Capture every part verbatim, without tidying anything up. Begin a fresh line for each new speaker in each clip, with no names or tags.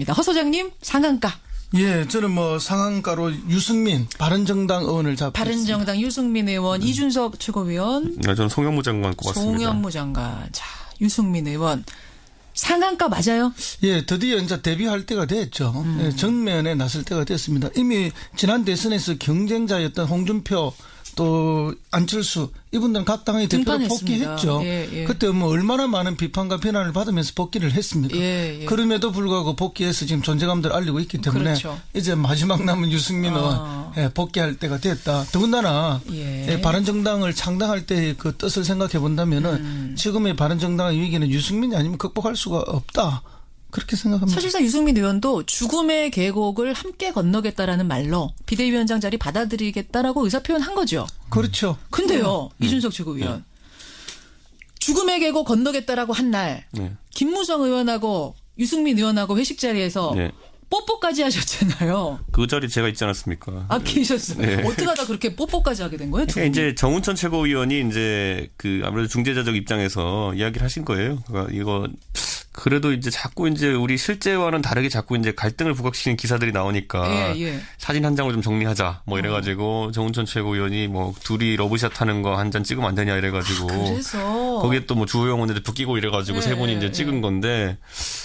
있습니다. 허 소장님 상한가.
예, 저는 뭐 상한가로 유승민 바른정당 의원을 잡고
바른정당
있습니다.
유승민 의원, 음. 이준석 최고위원.
네, 저는 송영무 장관 꼽았습니다.
송영무 장관. 자, 유승민 의원. 상한가 맞아요?
예, 드디어 이제 데뷔할 때가 됐죠. 음. 예, 정면에 나설 때가 됐습니다. 이미 지난 대선에서 경쟁자였던 홍준표 또 안철수 이분들은 각 당의 대표로 복귀했죠.
예, 예.
그때 뭐 얼마나 많은 비판과 비난을 받으면서 복귀를 했습니까? 예, 예. 그럼에도 불구하고 복귀해서 지금 존재감들을 알리고 있기 때문에
그렇죠.
이제 마지막 남은 유승민 의원
어.
예, 복귀할 때가 됐다. 더군다나
예.
예, 바른정당을 창당할 때의 그 뜻을 생각해 본다면은 음. 지금의 바른정당의 위기는 유승민이 아니면 극복할 수가 없다. 그렇게 생각합니다.
사실상 유승민 의원도 죽음의 계곡을 함께 건너겠다라는 말로 비대위원장 자리 받아들이겠다라고 의사표현한 거죠.
그렇죠.
근데요.
네.
이준석 최고위원. 네. 죽음의 계곡 건너겠다라고 한 날 네. 김무성 의원하고 유승민 의원하고 회식 자리에서 네. 뽀뽀까지 하셨잖아요.
그 자리 제가 있지 않았습니까?
아, 계셨어요. 네. 어떻게 하다 그렇게 뽀뽀까지 하게 된 거예요?
그러니까 이제 정운천 최고위원이 이제 그 아무래도 중재자적 입장에서 이야기를 하신 거예요. 그러니까 이거 그래도 이제 자꾸 이제 우리 실제와는 다르게 자꾸 이제 갈등을 부각시키는 기사들이 나오니까 예, 예. 사진 한 장을 좀 정리하자 뭐 이래가지고 어. 정운천 최고위원이 뭐 둘이 러브샷 하는 거 한 잔 찍으면 안 되냐 이래가지고
아, 그래서
거기에 또 뭐 주호영 원내대 붙기고 이래가지고 예, 세 분이 이제 찍은 예. 건데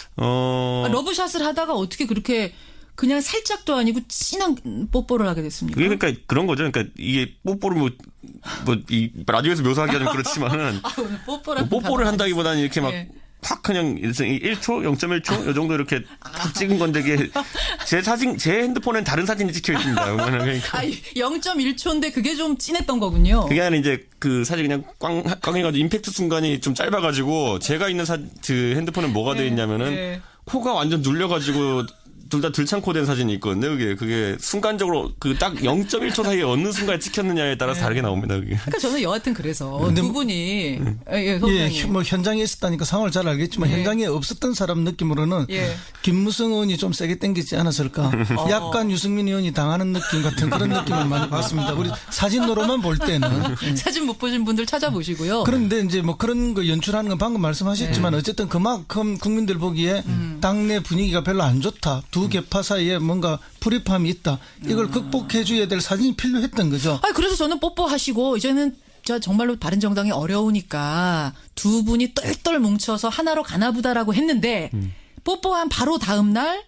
어
아, 러브샷을 하다가 어떻게 그렇게 그냥 살짝도 아니고 진한 뽀뽀를 하게 됐습니까?
그러니까 그런 거죠. 그러니까 이게 뽀뽀를 뭐 뭐 이 라디오에서 묘사하기 좀 그렇지만은
아, 뽀뽀를,
뭐 뽀뽀를 한다기보다는 이렇게 막 예. 확 그냥 일 초, 영 점 일 초 이 정도 이렇게 탁 찍은 건데 이게 제 사진, 제 핸드폰엔 다른 사진이 찍혀 있습니다.
그러니까. 아, 영 점 일 초인데 그게 좀 진했던 거군요.
그게 아니라 이제 그 사진 그냥 꽝, 꽝 해가지고 임팩트 순간이 좀 짧아가지고 제가 있는 사, 그 핸드폰엔 뭐가 네, 돼 있냐면은 네. 코가 완전 눌려가지고 둘 다 들창코 된 사진이 있거든요. 그게 그게 순간적으로 그 딱 영 점 일 초 사이에 어느 순간에 찍혔느냐에 따라서 네. 다르게 나옵니다. 그게.
그러니까 저는 여하튼 그래서 두 분이
음. 예, 예, 뭐 현장에 있었다니까 상황을 잘 알겠지만 예. 현장에 없었던 사람 느낌으로는 예. 김무성 의원이 좀 세게 땡기지 않았을까. 어. 약간 유승민 의원이 당하는 느낌 같은 그런 느낌을 많이 받습니다. 우리 사진으로만 볼 때는
예. 사진 못 보신 분들 찾아보시고요.
그런데 이제 뭐 그런 거 연출하는 건 방금 말씀하셨지만 예. 어쨌든 그만큼 국민들 보기에 음. 당내 분위기가 별로 안 좋다. 두 개파 사이에 뭔가 불입함이 있다. 이걸 음. 극복해 줘야 될 사진이 필요했던 거죠.
아, 그래서 저는 뽀뽀하시고 이제는 저 정말로 바른정당이 어려우니까 두 분이 똘똘 뭉쳐서 하나로 가나보다라고 했는데 음. 뽀뽀한 바로 다음 날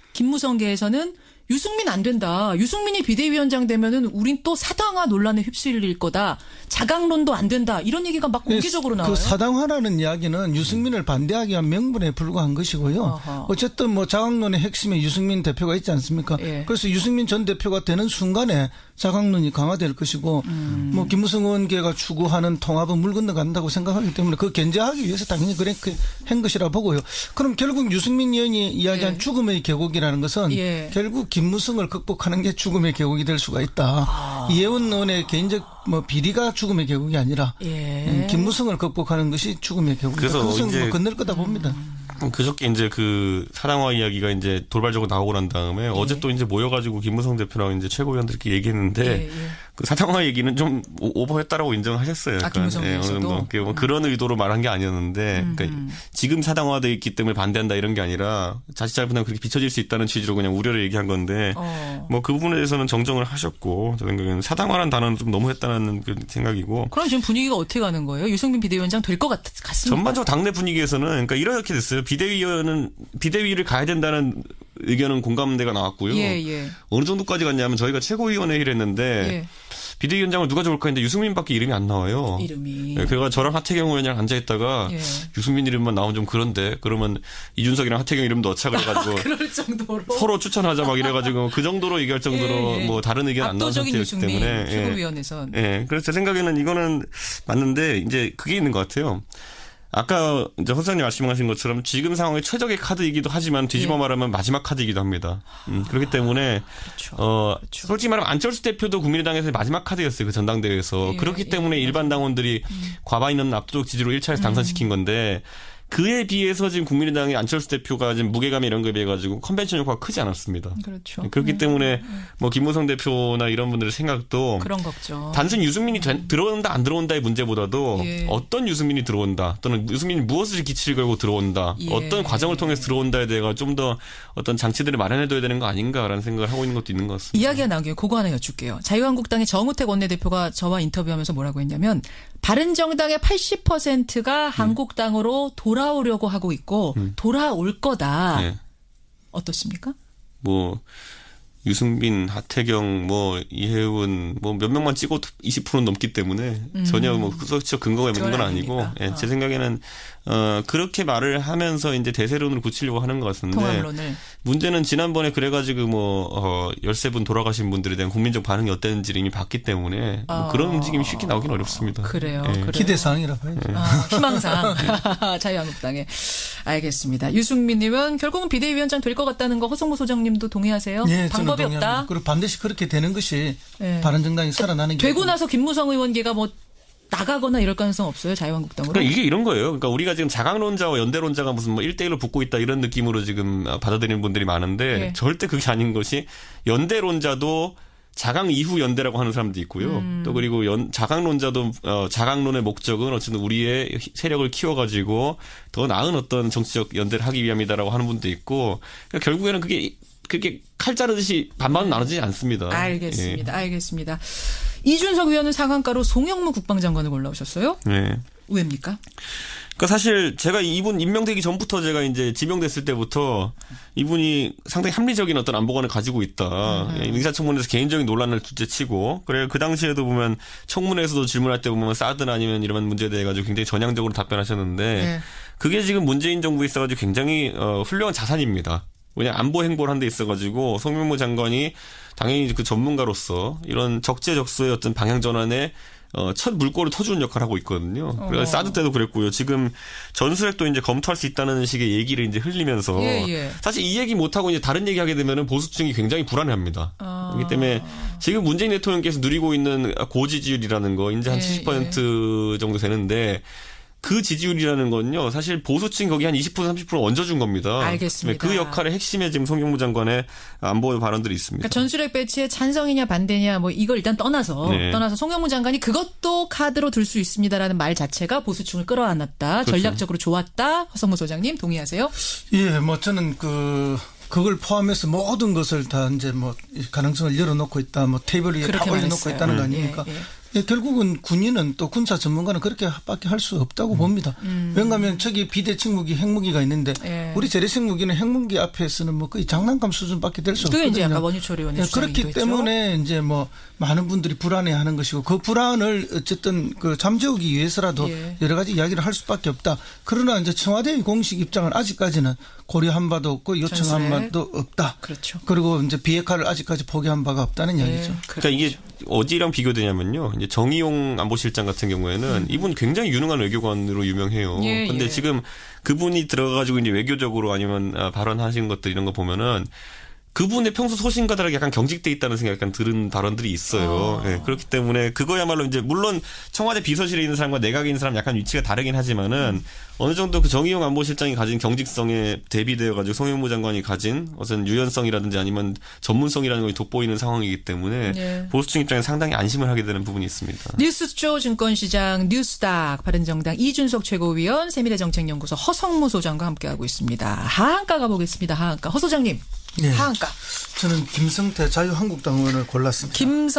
김무성계에서는 유승민 안 된다. 유승민이 비대위원장 되면은 우린 또 사당화 논란에 휩쓸릴 거다. 자강론도 안 된다. 이런 얘기가 막 공개적으로 나와요.
그 사당화라는 이야기는 유승민을 반대하기 위한 명분에 불과한 것이고요. 어허. 어쨌든 뭐 자강론의 핵심에 유승민 대표가 있지 않습니까? 예. 그래서 유승민 전 대표가 되는 순간에 자강론이 강화될 것이고 음. 뭐 김무성 의원계가 추구하는 통합은 물 건너간다고 생각하기 때문에 그 견제하기 위해서 당연히 그렇게 한 것이라 보고요. 그럼 결국 유승민 의원이 이야기한 예. 죽음의 계곡이라는 것은 예. 결국 김무성을 극복하는 게 죽음의 계곡이 될 수가 있다. 아. 이혜원 의원의 개인적 뭐 비리가 죽음의 계곡이 아니라 예. 김무성을 극복하는 것이 죽음의 계곡이다.
그래서
이제 뭐 건널 거다 봅니다.
음. 그저께 이제 그 사당화 이야기가 이제 돌발적으로 나오고 난 다음에 예. 어제 또 이제 모여가지고 김무성 대표랑 이제 최고위원들끼리 얘기했는데 예. 예. 그 사당화 얘기는 좀 오버했다라고 인정하셨어요.
아, 김무성
예, 어느 정도 뭐 그런 의도로 말한 게 아니었는데
음.
그러니까 지금 사당화돼 있기 때문에 반대한다 이런 게 아니라 자칫 잘못하면 그렇게 비춰질 수 있다는 취지로 그냥 우려를 얘기한 건데 어. 뭐 그 부분에 대해서는 정정을 하셨고 저 생각에는 사당화라는 단어는 좀 너무했다는 그 생각이고.
그럼 지금 분위기가 어떻게 가는 거예요? 유승민 비대위원장 될 것 같습니다.
전반적으로 당내 분위기에서는 그러니까 이렇게 됐어요. 비대위원은 비대위를 가야 된다는 의견은 공감대가 나왔고요.
예, 예.
어느 정도까지 갔냐면 저희가 최고위원회의를 했는데 예. 비대위원장을 누가 좋을까 했는데 유승민밖에 이름이 안 나와요.
이름이.
네, 그래서 저랑 하태경 의원이랑 앉아있다가 예. 유승민 이름만 나오면 좀 그런데 그러면 이준석이랑 하태경 이름 넣자 그래가지고
아, 그럴 정도로
서로 추천하자 막 이래가지고 그 정도로 얘기할 정도로 예, 예. 뭐 다른 의견 안 나온 상태였기 때문에
최고위원회선.
예. 예. 그래서 제 생각에는 이거는 맞는데 이제 그게 있는 것 같아요. 아까 이제 허 소장님 말씀하신 것처럼 지금 상황의 최적의 카드이기도 하지만 뒤집어 예. 말하면 마지막 카드이기도 합니다. 음, 그렇기 때문에
그렇죠.
어,
그렇죠.
솔직히 말하면 안철수 대표도 국민의당에서의 마지막 카드였어요. 그 전당대회에서.
예.
그렇기
예.
때문에
예.
일반 당원들이 음. 과반 있는 압도적 지지로 일 차에서 당선시킨 건데 그에 비해서 지금 국민의당의 안철수 대표가 지금 무게감 이런 거에 비해 가지고 컨벤션 효과가 크지 않았습니다.
그렇죠.
그렇기
네.
때문에 뭐 김무성 대표나 이런 분들의 생각도
그런 걱정.
단순히 유승민이 된, 들어온다 안 들어온다의 문제보다도
예.
어떤 유승민이 들어온다 또는 유승민이 무엇을 기치를 걸고 들어온다
예.
어떤 과정을 통해서 들어온다에 대해 좀 더 어떤 장치들을 마련해둬야 되는 거 아닌가라는 생각을 하고 있는 것도 있는 것 같습니다.
이야기가 나온 김에 그거 하나 여쭐게요. 자유한국당의 정우택 원내대표가 저와 인터뷰하면서 뭐라고 했냐면 바른정당의 팔십 퍼센트가 음. 한국당으로 돌아오려고 하고 있고 음. 돌아올 거다. 네. 어떻습니까?
뭐 유승민, 하태경, 뭐 이혜훈 뭐 몇 명만 찍어도 이십 퍼센트는 넘기 때문에 음. 전혀 뭐 구석적 근거가 있는 건 아니고 예, 제 생각에는 어, 그렇게 말을 하면서 이제 대세론을 굳히려고 하는 것 같은데
통합론을.
문제는 지난번에 그래가지고 뭐 어, 열세 분 돌아가신 분들에 대한 국민적 반응이 어땠는지를 이미 봤기 때문에 뭐
어.
그런 움직임이 쉽게 나오긴 어렵습니다.
그래요.
예.
그래요.
기대사항이라 봐야죠.
아, 희망사항. 자유한국당에. 알겠습니다. 유승민님은 결국은 비대위원장 될 것 같다는 거 허성무 소장님도 동의하세요?
네,
방법이
저는 동의합니다.
없다.
그리고 반드시 그렇게 되는 것이
네.
바른정당이 살아나는 게
되고 나서 김무성 의원계가 뭐 나가거나 이럴 가능성 없어요? 자유한국당으로?
그러니까 이게 이런 거예요. 그러니까 우리가 지금 자강론자와 연대론자가 무슨 뭐 일 대일로 붙고 있다 이런 느낌으로 지금 받아들이는 분들이 많은데
네.
절대 그게 아닌 것이 연대론자도 자강 이후 연대라고 하는 사람도 있고요. 음. 또 그리고 연, 자강론자도 어, 자강론의 목적은 어쨌든 우리의 세력을 키워가지고 더 나은 어떤 정치적 연대를 하기 위함이다라고 하는 분도 있고 그러니까 결국에는 그게 그렇게 칼 자르듯이 반반은 나눠지지 않습니다.
알겠습니다.
예.
알겠습니다. 이준석 의원은 상한가로 송영무 국방장관을 골라오셨어요?
네.
왜입니까?
그러니까 사실 제가 이분 임명되기 전부터 제가 이제 지명됐을 때부터 이분이 상당히 합리적인 어떤 안보관을 가지고 있다. 음. 인사청문회에서 개인적인 논란을 둘째치고 그래 그 당시에도 보면 청문회에서도 질문할 때 보면 사드나 아니면 이런 문제에 대해 가지고 굉장히 전향적으로 답변하셨는데 네. 그게 지금 문재인 정부에 있어가지고 굉장히 어, 훌륭한 자산입니다. 왜냐 안보 행보를 한 데 있어가지고 송영무 장관이 당연히 그 전문가로서 이런 적재적소의 어떤 방향 전환에 어, 첫 물꼬를 터주는 역할을 하고 있거든요. 그래서 어. 사드 때도 그랬고요. 지금 전술핵도 이제 검토할 수 있다는 식의 얘기를 이제 흘리면서
예, 예.
사실 이 얘기 못하고 이제 다른 얘기 하게 되면은 보수층이 굉장히 불안해합니다. 아. 그렇기 때문에 지금 문재인 대통령께서 누리고 있는 고지지율이라는 거 이제 한 예, 칠십 퍼센트 예. 정도 되는데 그 지지율이라는 건요, 사실 보수층 거기 한 이십 퍼센트, 삼십 퍼센트 얹어준 겁니다.
알겠습니다.
그 역할의 핵심에 지금 송영무 장관의 안보 발언들이 있습니다.
그러니까 전술핵 배치에 찬성이냐 반대냐 뭐 이걸 일단 떠나서 네. 떠나서 송영무 장관이 그것도 카드로 들 수 있습니다라는 말 자체가 보수층을 끌어안았다. 그렇죠. 전략적으로 좋았다. 허성무 소장님 동의하세요?
예, 뭐 저는 그. 그걸 포함해서 모든 것을 다 이제 뭐 가능성을 열어놓고 있다, 뭐 테이블 위에 다 올려놓고 있다는 거 아닙니까? 예, 예. 예, 결국은 군인은 또 군사 전문가는 그렇게밖에 할 수 없다고 음. 봅니다. 음. 왜냐하면 저기 비대칭 무기, 핵무기가 있는데 예. 우리 재래식 무기는 핵무기 앞에서는 뭐 거의 장난감 수준밖에 될 수 없거든요.
그게 이제 아까 원유철 의원의
예, 그렇기 때문에 했죠? 이제 뭐 많은 분들이 불안해하는 것이고 그 불안을 어쨌든 그 잠재우기 위해서라도 예. 여러 가지 이야기를 할 수밖에 없다. 그러나 이제 청와대의 공식 입장은 아직까지는 고려한 바도 없고 요청한 바도 없다.
그렇죠.
그리고 이제 비핵화를 아직까지 포기한 바가 없다는
예.
이야기죠.
그러니까 이게 어디랑 비교되냐면요. 이제 정의용 안보실장 같은 경우에는 음. 이분 굉장히 유능한 외교관으로 유명해요. 그런데 예, 예. 지금 그분이 들어가가지고 이제 외교적으로 아니면 발언하신 것들 이런 거 보면은 그분의 평소 소신과 다르게 약간 경직돼 있다는 생각이 약간 들은 발언들이 있어요. 아. 네, 그렇기 때문에 그거야말로 이제 물론 청와대 비서실에 있는 사람과 내각에 있는 사람 약간 위치가 다르긴 하지만은 음. 어느 정도 그 정의용 안보실장이 가진 경직성에 대비되어 가지고 송영무 장관이 가진 어떤 유연성이라든지 아니면 전문성이라는 것이 돋보이는 상황이기 때문에 네. 보수층 입장에 상당히 안심을 하게 되는 부분이 있습니다.
뉴스쇼 증권시장 뉴스닥 바른정당 이준석 최고위원 세미래정책연구소 허성무 소장과 함께하고 있습니다. 하한가 가보겠습니다. 하한가. 허 소장님. 네. 하한가.
저는 김성태 자유한국당 의원을 골랐습니다.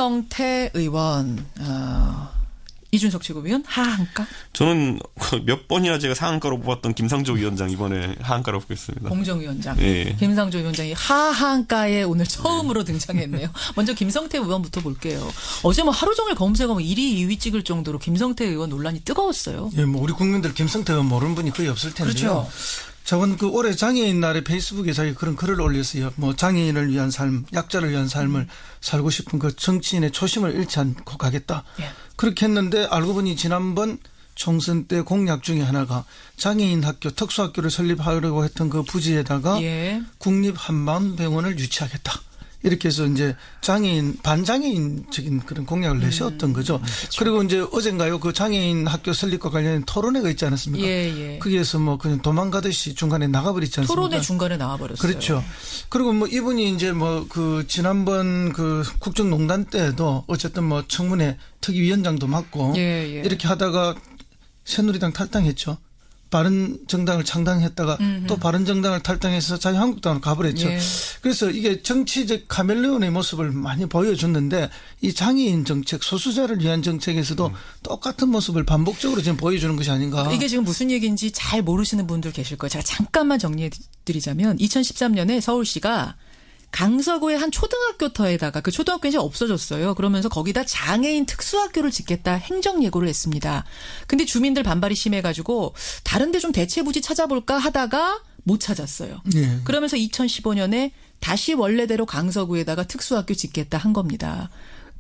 김성태 의원. 어, 이준석 최고위원 하한가?
저는 몇 번이나 제가 상한가로 뽑았던 김상조 위원장 이번에 하한가로 뽑겠습니다.
공정위원장.
네.
김상조 위원장이 하한가에 오늘 처음으로 네. 등장했네요. 먼저 김성태 의원부터 볼게요. 어제 뭐 하루 종일 검색하면 일 위, 이 위 찍을 정도로 김성태 의원 논란이 뜨거웠어요.
예, 뭐 우리 국민들 김성태 의원 모르는 분이 거의 없을 텐데요.
그렇죠.
저번 그 올해 장애인 날에 페이스북에 자기 그런 글을 올렸어요. 뭐 장애인을 위한 삶, 약자를 위한 삶을 음. 살고 싶은 그 정치인의 초심을 잃지 않고 가겠다. 예. 그렇게 했는데 알고 보니 지난번 총선 때 공약 중에 하나가 장애인 학교, 특수학교를 설립하려고 했던 그 부지에다가 예. 국립한방병원을 유치하겠다. 이렇게 해서 이제 장애인 반장애인적인 그런 공약을 내세웠던 거죠. 음, 그렇죠. 그리고 이제 어젠가요 그 장애인 학교 설립과 관련된 토론회가 있지 않았습니까?
예, 예.
거기에서 뭐 그냥 도망가듯이 중간에 나가버리지 않습니까?
토론회 중간에 나와버렸어요.
그렇죠. 그리고 뭐 이분이 이제 뭐 그 지난번 그 국정농단 때도 어쨌든 뭐 청문회 특위위원장도 맡고 예, 예. 이렇게 하다가 새누리당 탈당했죠. 바른정당을 창당했다가 음흠. 또 바른정당을 탈당해서 자유한국당으로 가버렸죠. 예. 그래서 이게 정치적 카멜레온의 모습을 많이 보여줬는데 이 장애인 정책, 소수자를 위한 정책에서도 음. 똑같은 모습을 반복적으로 지금 보여주는 것이 아닌가.
이게 지금 무슨 얘기인지 잘 모르시는 분들 계실 거예요. 제가 잠깐만 정리해드리자면 이천십삼 년에 서울시가 강서구의 한 초등학교터에다가 그 초등학교는 이제 없어졌어요. 그러면서 거기다 장애인 특수학교를 짓겠다 행정 예고를 했습니다. 근데 주민들 반발이 심해가지고 다른 데 좀 대체부지 찾아볼까 하다가 못 찾았어요. 네. 그러면서 이천십오 년에 다시 원래대로 강서구에다가 특수학교 짓겠다 한 겁니다.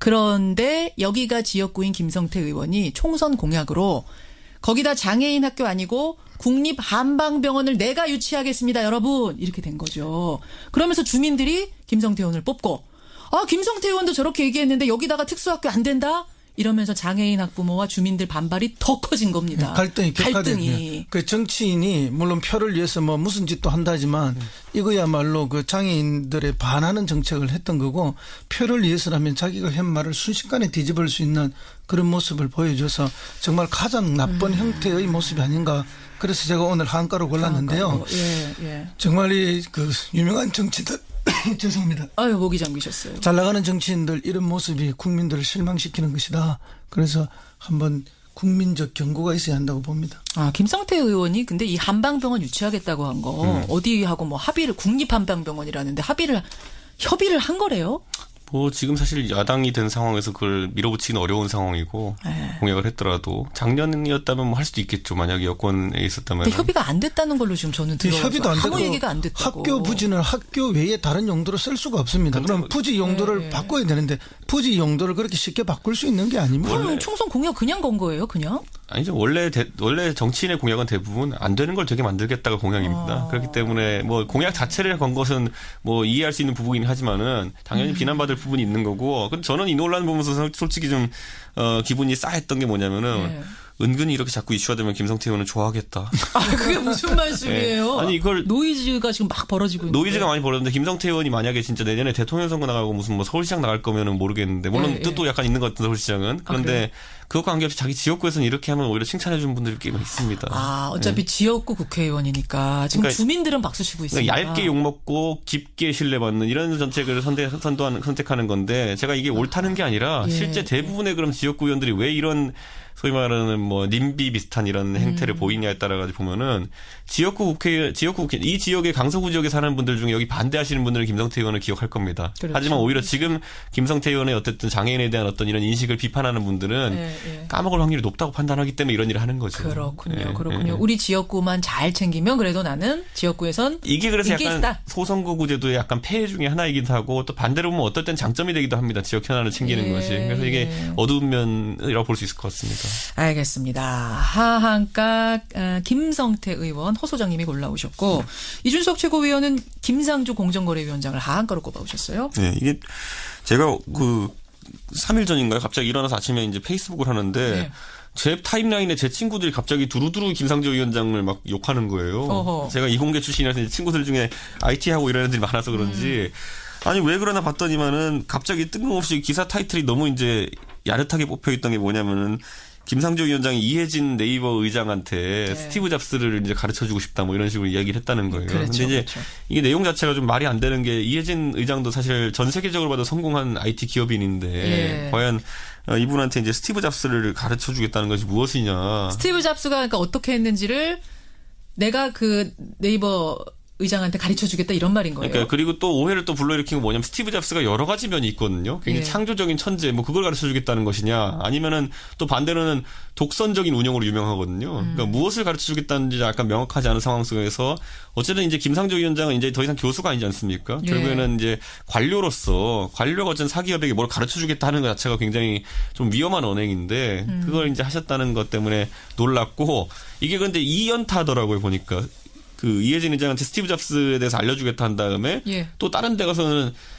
그런데 여기가 지역구인 김성태 의원이 총선 공약으로 거기다 장애인 학교 아니고 국립한방병원을 내가 유치하겠습니다, 여러분. 이렇게 된 거죠. 그러면서 주민들이 김성태 의원을 뽑고 아, 김성태 의원도 저렇게 얘기했는데 여기다가 특수학교 안 된다? 이러면서 장애인 학부모와 주민들 반발이 더 커진 겁니다.
갈등이 갈등이. 그 정치인이 물론 표를 위해서 뭐 무슨 짓도 한다지만 음. 이거야말로 그 장애인들의 반하는 정책을 했던 거고 표를 위해서라면 자기가 한 말을 순식간에 뒤집을 수 있는 그런 모습을 보여줘서 정말 가장 나쁜 음. 형태의 모습이 아닌가. 그래서 제가 오늘 한가로 골랐는데요.
예, 예.
정말 이 그 유명한 정치들 죄송합니다.
아유, 목이 잠기셨어요.
잘 나가는 정치인들 이런 모습이 국민들을 실망시키는 것이다. 그래서 한번 국민적 경고가 있어야 한다고 봅니다.
아, 김성태 의원이 근데 이 한방병원 유치하겠다고 한 거 음. 어디하고 뭐 합의를 국립한방병원이라는데 합의를 협의를 한 거래요?
뭐 지금 사실 야당이 된 상황에서 그걸 밀어붙이기는 어려운 상황이고 에이. 공약을 했더라도 작년이었다면 뭐 할 수도 있겠죠. 만약에 여권에 있었다면.
근데 협의가 안 됐다는 걸로 지금 저는 들어서
협의도 안
아무 얘기가 안 됐다고.
학교 부지는 학교 외에 다른 용도로 쓸 수가 없습니다. 그럼 부지 용도를 네. 바꿔야 되는데 부지 용도를 그렇게 쉽게 바꿀 수 있는 게 아닙니다.
그럼 총선 공약 그냥 건 거예요, 그냥?
아니죠. 원래 대, 원래 정치인의 공약은 대부분 안 되는 걸 되게 만들겠다가 공약입니다. 아. 그렇기 때문에 뭐 공약 자체를 건 것은 뭐 이해할 수 있는 부분이긴 하지만은 당연히 음. 비난받을 부분이 있는 거고. 근데 저는 이 논란 보면서 솔직히 좀 어, 기분이 싸했던 게 뭐냐면은. 네. 은근히 이렇게 자꾸 이슈가 되면 김성태 의원은 좋아하겠다.
아, 그게 무슨 말씀이에요?
네. 아니, 이걸.
노이즈가 지금 막 벌어지고 있는데.
노이즈가 많이 벌어졌는데, 김성태 의원이 만약에 진짜 내년에 대통령 선거 나가고 무슨 뭐 서울시장 나갈 거면은 모르겠는데, 물론 네, 뜻도 네. 약간 있는 것 같은 서울시장은. 그런데 아, 그것과 관계없이 자기 지역구에서는 이렇게 하면 오히려 칭찬해주는 분들이 꽤 있습니다.
아, 어차피 네. 지역구 국회의원이니까. 지금 그러니까, 주민들은 박수 치고 있습니다.
그러니까 얇게 욕먹고 깊게 신뢰받는 이런 정책을 선대, 선도하는, 선택하는 건데, 제가 이게 옳다는 게 아니라, 예. 실제 대부분의 그럼 지역구 의원들이 왜 이런 소위 말하는 뭐 님비 비슷한 이런 행태를 음. 보이냐에 따라 가지고 보면은 지역구 국회 지역구 국회 이 지역의 강서구 지역에 사는 분들 중에 여기 반대하시는 분들은 김성태 의원을 기억할 겁니다. 그렇죠. 하지만 오히려 지금 김성태 의원의 어쨌든 장애인에 대한 어떤 이런 인식을 비판하는 분들은 네, 네. 까먹을 확률이 높다고 판단하기 때문에 이런 일을 하는 거죠.
그렇군요. 네, 그렇군요. 네. 우리 지역구만 잘 챙기면 그래도 나는 지역구에선
이게 그래서 약간 있다. 소선거구 제도의 약간 폐해 중에 하나이기도 하고 또 반대로 보면 어떨 땐 장점이 되기도 합니다. 지역 현안을 챙기는 네. 것이. 그래서 이게 어두운 면이라고 볼 수 있을 것 같습니다.
알겠습니다. 하한가 어, 김성태 의원, 허 소장님이 골라오셨고 네. 이준석 최고위원은 김상조 공정거래위원장을 하한가로 꼽아오셨어요.
네, 이게 제가 그 삼 일 전인가요? 갑자기 일어나서 아침에 이제 페이스북을 하는데 네. 제 타임라인에 제 친구들이 갑자기 두루두루 김상조 위원장을 막 욕하는 거예요. 어허. 제가 이공계 출신이라서 이제 친구들 중에 아이티 하고 이런 애들이 많아서 그런지 음. 아니 왜 그러나 봤더니만은 갑자기 뜬금없이 기사 타이틀이 너무 이제 야릇하게 뽑혀 있던 게 뭐냐면은. 김상조 위원장이 이혜진 네이버 의장한테 네. 스티브 잡스를 이제 가르쳐주고 싶다 뭐 이런 식으로 이야기를 했다는 거예요. 그런데 그렇죠, 이제 그렇죠. 이게 내용 자체가 좀 말이 안 되는 게 이혜진 의장도 사실 전 세계적으로 봐도 성공한 아이티 기업인인데 네. 과연 이분한테 이제 스티브 잡스를 가르쳐주겠다는 것이 무엇이냐.
스티브 잡스가 그러니까 어떻게 했는지를 내가 그 네이버 의장한테 가르쳐주겠다 이런 말인 거예요.
그러니까 그리고 또 오해를 또 불러일으킨 건 뭐냐면 스티브 잡스가 여러 가지 면이 있거든요. 굉장히 예. 창조적인 천재 뭐 그걸 가르쳐주겠다는 것이냐 아니면은 또 반대로는 독선적인 운영으로 유명하거든요. 음. 그러니까 무엇을 가르쳐주겠다는지 약간 명확하지 않은 상황 속에서 어쨌든 이제 김상조 위원장은 이제 더 이상 교수가 아니지 않습니까? 예. 결국에는 이제 관료로서 관료가 어쨌든 사기업에게 뭘 가르쳐주겠다 하는 것 자체가 굉장히 좀 위험한 언행인데 음. 그걸 이제 하셨다는 것 때문에 놀랐고 이게 근데 이 연타더라고요 보니까. 그 이혜진 의장한테 스티브 잡스에 대해서 알려주겠다 한 다음에 예. 또 다른 데 가서는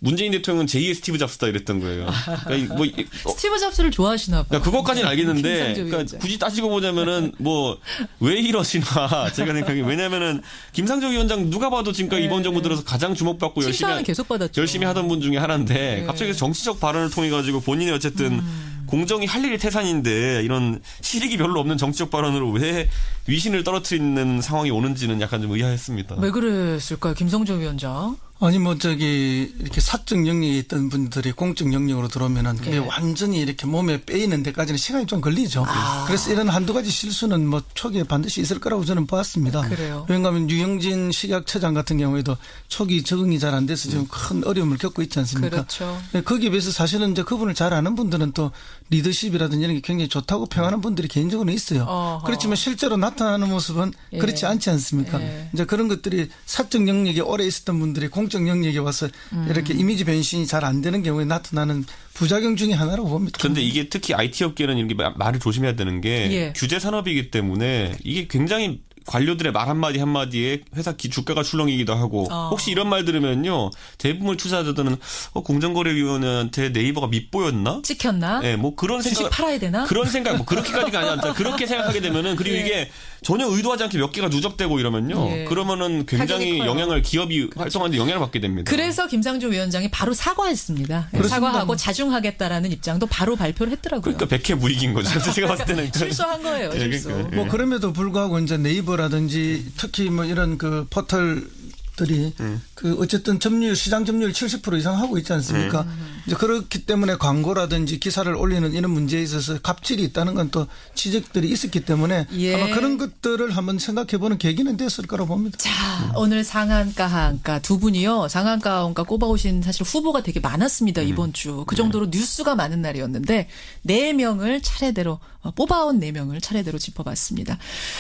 문재인 대통령은 제이의 스티브 잡스다 이랬던 거예요. 그러니까 뭐
어. 스티브 잡스를 좋아하시나 봐요.
그러니까 그것까지는 알겠는데 그러니까 굳이 따지고 보자면은 뭐 왜 이러시나 제가 생각하기에 왜냐면은 김상조 위원장 누가 봐도 지금까지 네. 이번 정부 들어서 가장 주목받고 열심히
계속 받았죠.
열심히 하던 분 중에 하나인데 네. 갑자기 정치적 발언을 통해 가지고 본인이 어쨌든 음. 공정이 할 일이 태산인데 이런 실익이 별로 없는 정치적 발언으로 왜 위신을 떨어뜨리는 상황이 오는지는 약간 좀 의아했습니다.
왜 그랬을까요, 김성조 위원장?
아니 뭐 저기 이렇게 사적 영역에 있던 분들이 공적 영역으로 들어오면은 그게 네. 완전히 이렇게 몸에 빼이는 데까지는 시간이 좀 걸리죠. 아. 그래서 이런 한두 가지 실수는 뭐 초기에 반드시 있을 거라고 저는 보았습니다.
그래요.
왜냐하면 유영진 식약처장 같은 경우에도 초기 적응이 잘 안 돼서 지금 큰 어려움을 겪고 있지 않습니까?
그렇죠.
거기에 비해서 사실은 이제 그분을 잘 아는 분들은 또 리더십이라든지 이런 게 굉장히 좋다고 평하는 분들이 개인적으로 있어요. 어허. 그렇지만 실제로 나타나는 모습은 예. 그렇지 않지 않습니까? 예. 이제 그런 것들이 사적 영역에 오래 있었던 분들이 공 정 영역에 와서 음. 이렇게 이미지 변신이 잘 안 되는 경우에 나타나는 부작용 중에 하나라고 봅니다.
그런데 이게 특히 아이티 업계는 이렇게 말을 조심해야 되는 게 예. 규제 산업이기 때문에 이게 굉장히 관료들의 말 한마디 한마디에 회사 기, 주가가 출렁이기도 하고 어. 혹시 이런 말 들으면요 대부분 투자자들은 어, 공정거래위원회한테 네이버가 밉보였나?
찍혔나?
네, 뭐 그런 생각.
주식 팔아야 되나?
그런 생각, 뭐 그렇게까지가 아니라 그렇게 생각하게 되면은 그리고 예. 이게 전혀 의도하지 않게 몇 개가 누적되고 이러면요. 예. 그러면은 굉장히 영향을 기업이 그렇죠. 활성화하는데 영향을 받게 됩니다.
그래서 김상조 위원장이 바로 사과했습니다. 그렇습니다. 사과하고 자중하겠다라는 입장도 바로 발표를 했더라고요.
그러니까 백해무익인 거죠. 제가 봤을 때는
실수한 거예요. 실수.
예, 그러니까,
뭐 그럼에도 불구하고 이제 네이버라든지 특히 뭐 이런 그 포털 들이 음. 그 어쨌든 점유율 시장 점유율 칠십 퍼센트 이상 하고 있지 않습니까? 음. 이제 그렇기 때문에 광고라든지 기사를 올리는 이런 문제에 있어서 갑질이 있다는 건 또 지적들이 있었기 때문에 예. 아마 그런 것들을 한번 생각해보는 계기는 됐을 거라고 봅니다.
자 음. 오늘 상한가 하한가 두 분이요 상한가 하한가 꼽아오신 사실 후보가 되게 많았습니다. 음. 이번 주 그 정도로 네. 뉴스가 많은 날이었는데 네 명을 차례대로 뽑아온 네 명을 차례대로 짚어봤습니다.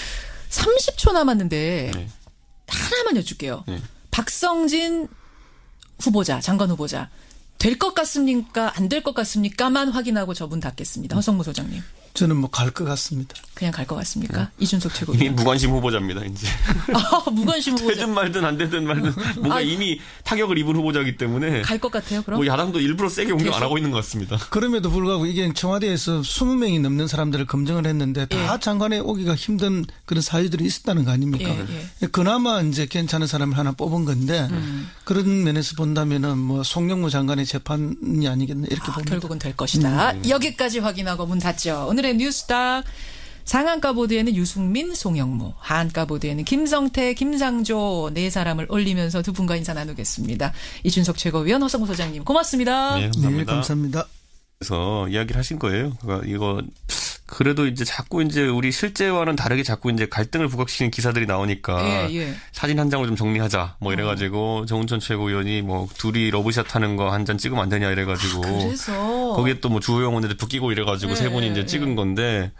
삼십 초 남았는데. 네. 하나만 여쭐게요. 네. 박성진 후보자, 장관 후보자. 될 것 같습니까? 안 될 것 같습니까?만 확인하고 저분 닫겠습니다. 허성무 소장님.
저는 뭐 갈 것 같습니다.
그냥 갈 것 같습니까? 네. 이준석 최고위원.
이미 무관심 후보자입니다. 이제.
아, 무관심 후보자.
되든 말든 안 되든 말든 뭔가 아, 이미 타격을 입은 후보자이기 때문에.
갈 것 같아요. 그럼?
뭐 야당도 일부러 세게 공격 안 하고 있는 것 같습니다.
그럼에도 불구하고 이게 청와대에서 이십 명이 넘는 사람들을 검증을 했는데 다 예. 장관에 오기가 힘든 그런 사유들이 있었다는 거 아닙니까? 예, 예. 그나마 이제 괜찮은 사람을 하나 뽑은 건데 음. 그런 면에서 본다면은 뭐 송영무 장관의 재판이 아니겠나 이렇게
아,
봅니다.
결국은 될 것이다. 음. 여기까지 확인하고 문 닫죠. 오늘의 뉴스닥 상한가 보드에는 유승민, 송영무, 하한가 보드에는 김성태, 김상조 네 사람을 올리면서 두 분과 인사 나누겠습니다. 이준석 최고위원, 허성무 소장님 고맙습니다.
네, 감사합니다.
네, 감사합니다.
그래서 이야기를 하신 거예요. 그러니까 이거 그래도 이제 자꾸 이제 우리 실제와는 다르게 자꾸 이제 갈등을 부각시키는 기사들이 나오니까 예, 예. 사진 한 장을 좀 정리하자 뭐 이래가지고 어. 정운천 최고위원이 뭐 둘이 러브샷 하는 거 한 잔 찍으면 안 되냐 이래가지고
아, 그래서
거기에 또 뭐 주호영 원내대표 끼고 이래가지고 예, 세 분이 이제 찍은 예. 건데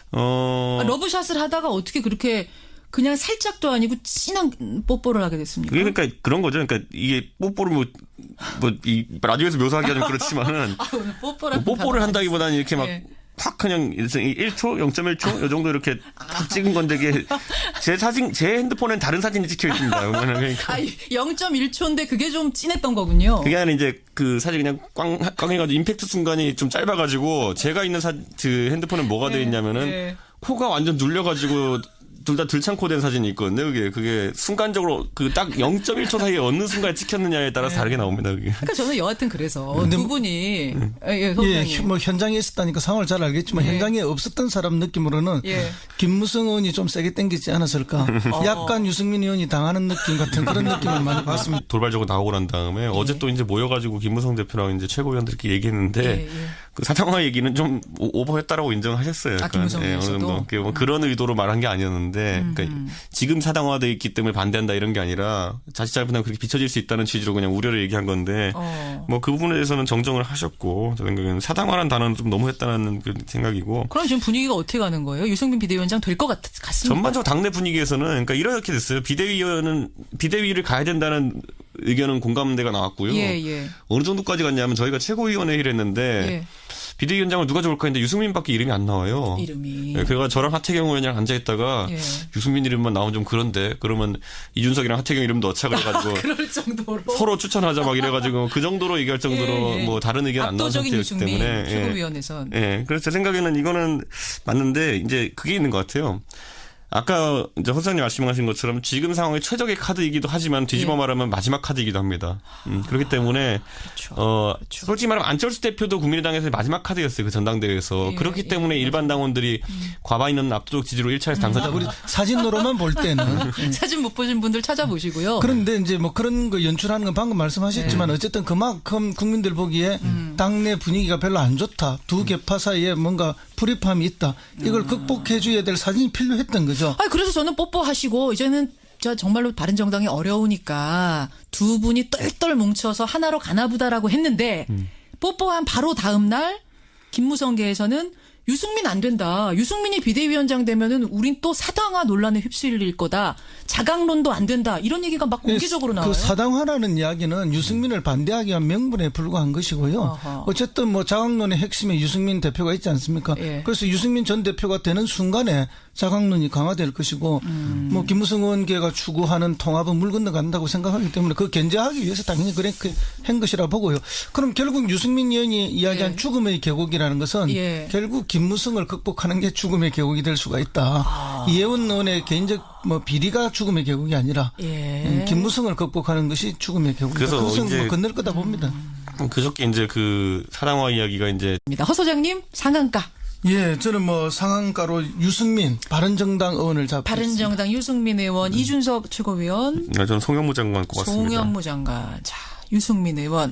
어
아, 러브샷을 하다가 어떻게 그렇게 그냥 살짝도 아니고 진한 뽀뽀를 하게 됐습니까?
그러니까 그런 거죠. 그러니까 이게 뽀뽀를 뭐 뭐 이 라디오에서 묘사하기가 좀 그렇지만은
아, 오늘 뽀뽀를,
뭐 뽀뽀를 한다기보다는 이렇게 막 예. 확 그냥 일 초, 영 점 일 초 이 정도 이렇게 탁 찍은 건데 이게 제 사진, 제 핸드폰엔 다른 사진이 찍혀 있습니다. 그러니까.
아, 영 점 일 초인데 그게 좀 진했던 거군요.
그게 아니라 이제 그 사진 그냥 꽝, 꽝 해가지고 임팩트 순간이 좀 짧아가지고 제가 있는 사, 그 핸드폰엔 뭐가 돼 있냐면은 네. 코가 완전 눌려가지고 둘 다 들창코 된 사진이 있거든요. 그게 그게 순간적으로 그 딱 영 점 일 초 사이에 어느 순간에 찍혔느냐에 따라서 네. 다르게 나옵니다. 그게.
그러니까 저는 여하튼 그래서 두 분이 음. 예,
예, 뭐 현장에 있었다니까 상황을 잘 알겠지만 예. 현장에 없었던 사람 느낌으로는 예. 김무성 의원이 좀 세게 땡기지 않았을까. 어. 약간 유승민 의원이 당하는 느낌 같은 그런 느낌을 많이 봤습니다.
돌발적으로 나오고 난 다음에 예. 어제 또 이제 모여가지고 김무성 대표랑 이제 최고위원들끼리 얘기했는데 예, 예. 그 사탕화 얘기는 좀 오버했다라고 인정하셨어요.
아, 김무성
예, 어느 정도 뭐 그런 의도로 말한 게 아니었는데. 그러니까 지금 사당화돼 있기 때문에 반대한다 이런 게 아니라 자칫 잘못하면 그렇게 비춰질 수 있다는 취지로 그냥 우려를 얘기한 건데 어. 뭐 그 부분에 대해서는 정정을 하셨고 저 생각에는 사당화라는 단어는 좀 너무했다는 그 생각이고.
그럼 지금 분위기가 어떻게 가는 거예요? 유승민 비대위원장 될 것 같습니까?
전반적으로 당내 분위기에서는 그러니까 이렇게 됐어요. 비대위원은 비대위를 가야 된다는 의견은 공감대가 나왔고요.
예, 예.
어느 정도까지 갔냐면 저희가 최고위원회의를 했는데. 예. 비대위원장을 누가 좋을까 했는데 유승민밖에 이름이 안 나와요.
이름이.
네, 그래서 저랑 하태경 의원이랑 앉아있다가 예. 유승민 이름만 나오면 좀 그런데 그러면 이준석이랑 하태경 이름 넣자 그래가지고
그럴 정도로
서로 추천하자 막 이래가지고 그 정도로 얘기할 정도로 예, 예. 뭐 다른 의견 안 나온 상태였기 때문에.
최고위원회선.
예. 예. 그래서 제 생각에는 이거는 맞는데 이제 그게 있는 것 같아요. 아까 이제 허수장님 말씀하신 것처럼 지금 상황의 최적의 카드이기도 하지만 뒤집어 예. 말하면 마지막 카드이기도 합니다. 음, 그렇기 때문에
그렇죠.
어,
그렇죠.
솔직히 말하면 안철수 대표도 국민의당에서 마지막 카드였어요. 그 전당대회에서. 예. 그렇기 예. 때문에 예. 일반 당원들이 음. 과반이는 압도적 지지로 일 차에서 당선자.
음. 우리 사진으로만 볼 때는.
사진 못 보신 분들 찾아보시고요.
그런데 이제 뭐 그런 거 연출하는 건 방금 말씀하셨지만 예. 어쨌든 그만큼 국민들 보기에 음. 당내 분위기가 별로 안 좋다. 두 개파 사이에 뭔가 불입함이 있다. 이걸 음. 극복해 줘야 될 사진이 필요했던 거죠.
아, 그래서 저는 뽀뽀하시고 이제는 저 정말로 바른정당이 어려우니까 두 분이 똘똘 뭉쳐서 하나로 가나보다라고 했는데 음. 뽀뽀한 바로 다음 날 김무성계에서는 유승민 안 된다. 유승민이 비대위원장 되면은 우린 또 사당화 논란에 휩쓸릴 거다. 자강론도 안 된다. 이런 얘기가 막 공개적으로 나와요.
그 사당화라는 이야기는 유승민을 반대하기 위한 명분에 불과한 것이고요. 어허. 어쨌든 뭐 자강론의 핵심에 유승민 대표가 있지 않습니까? 예. 그래서 유승민 전 대표가 되는 순간에 자강론이 강화될 것이고 음. 뭐 김무성 의원계가 추구하는 통합은 물 건너간다고 생각하기 때문에 그 견제하기 위해서 당연히 그렇게 한 것이라 보고요. 그럼 결국 유승민 의원이 이야기한 예. 죽음의 계곡이라는 것은 예. 결국 김무성을 극복하는 게 죽음의 계곡이 될 수가 있다. 아. 이혜원 의원의 개인적 뭐 비리가 죽음의 계곡이 아니라 예. 김무성을 극복하는 것이 죽음의 계곡이다. 그래서 그것은 뭐 건널 거다 봅니다.
음. 그저께 이제 그 사당화 이야기가 이제
허 소장님 상한가.
예, 저는 뭐 상한가로 유승민 바른정당 의원을 잡고
바른정당 유승민 의원, 음. 이준석 최고위원.
네, 저는 송영무 장관 꼽았습니다.
송영무 장관. 자, 유승민 의원.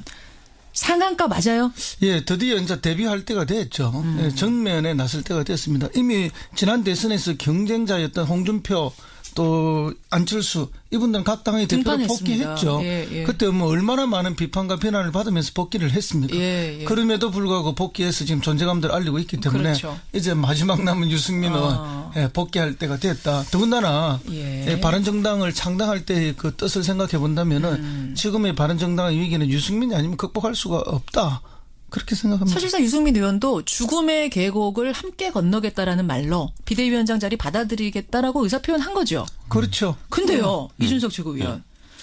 상한가 맞아요?
예, 드디어 이제 데뷔할 때가 됐죠. 음. 예, 정면에 나설 때가 됐습니다. 이미 지난 대선에서 경쟁자였던 홍준표 또 안철수 이분들은 각 당의 대표로 복귀했죠. 예, 예. 그때 뭐 얼마나 많은 비판과 비난을 받으면서 복귀를 했습니까? 예, 예. 그럼에도 불구하고 복귀해서 지금 존재감들을 알리고 있기 때문에 그렇죠. 이제 마지막 남은 유승민 의원 어. 예, 복귀할 때가 됐다. 더군다나 예. 예, 바른정당을 창당할 때 그 뜻을 생각해 본다면은 음. 지금의 바른정당의 위기는 유승민이 아니면 극복할 수가 없다. 그렇게 생각합니다.
사실상 유승민 의원도 죽음의 계곡을 함께 건너겠다라는 말로 비대위원장 자리 받아들이겠다라고 의사표현한 거죠.
그렇죠.
근데요. 음. 이준석 최고위원. 네.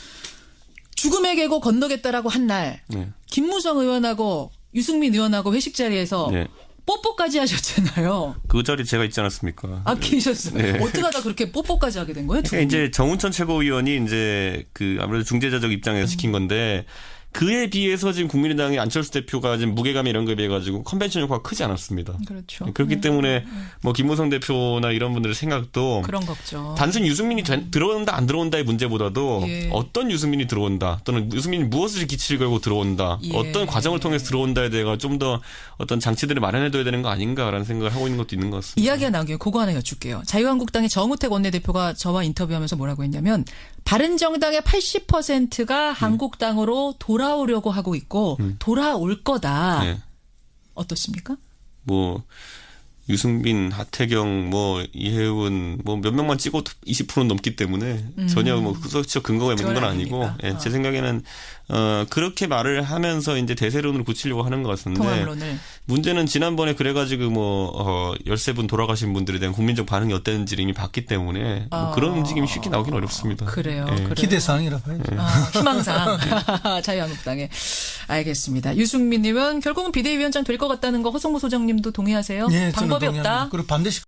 죽음의 계곡 건너겠다라고 한 날 네. 김무성 의원하고 유승민 의원하고 회식 자리에서 네. 뽀뽀까지 하셨잖아요.
그 자리 제가 있지 않았습니까?
아, 계셨어요. 네. 어떻게 하다 그렇게 뽀뽀까지 하게 된 거예요?
그러니까 이제 정운천 최고위원이 이제 그 아무래도 중재자적 입장에서 음. 시킨 건데 그에 비해서 지금 국민의당의 안철수 대표가 지금 무게감 이런 거에 비해 가지고 컨벤션 효과가 크지 않았습니다.
그렇죠.
그렇기
네.
때문에 뭐 김무성 대표나 이런 분들의 생각도
그런 걱정.
단순 유승민이 된, 들어온다 안 들어온다의 문제보다도 예. 어떤 유승민이 들어온다 또는 유승민이 무엇을 기치를 걸고 들어온다 예. 어떤 과정을 통해서 들어온다에 대해 좀 더 어떤 장치들을 마련해둬야 되는 거 아닌가라는 생각을 하고 있는 것도 있는 것 같습니다.
이야기가 나온 김에 그거 하나 여쭐게요. 자유한국당의 정우택 원내대표가 저와 인터뷰하면서 뭐라고 했냐면 바른정당의 팔십 퍼센트가 음. 한국당으로 돌아오려고 하고 있고 음. 돌아올 거다. 네. 어떻습니까?
뭐 유승민, 하태경, 뭐 이혜훈 뭐 몇 명만 찍어도 이십 퍼센트 넘기 때문에 음. 전혀 뭐 구석지적 근거가 있는 건 아니고 예, 어. 제 생각에는 어, 그렇게 말을 하면서 이제 대세론을 굳히려고 하는 것 같은데
통합론을.
문제는 지난번에 그래가지고 뭐 어, 열세 분 돌아가신 분들에 대한 국민적 반응이 어땠는지를 이미 봤기 때문에 뭐
어.
그런 움직임이 쉽게 나오긴 어렵습니다.
그래요.
예.
그래요.
기대사항이라 봐야죠.
아, 희망사항. 자유한국당에. 알겠습니다. 유승민 의원 결국은 비대위원장 될 것 같다는 거 허성무 소장님도 동의하세요?
네,
방법이 없다.
그리고 반드시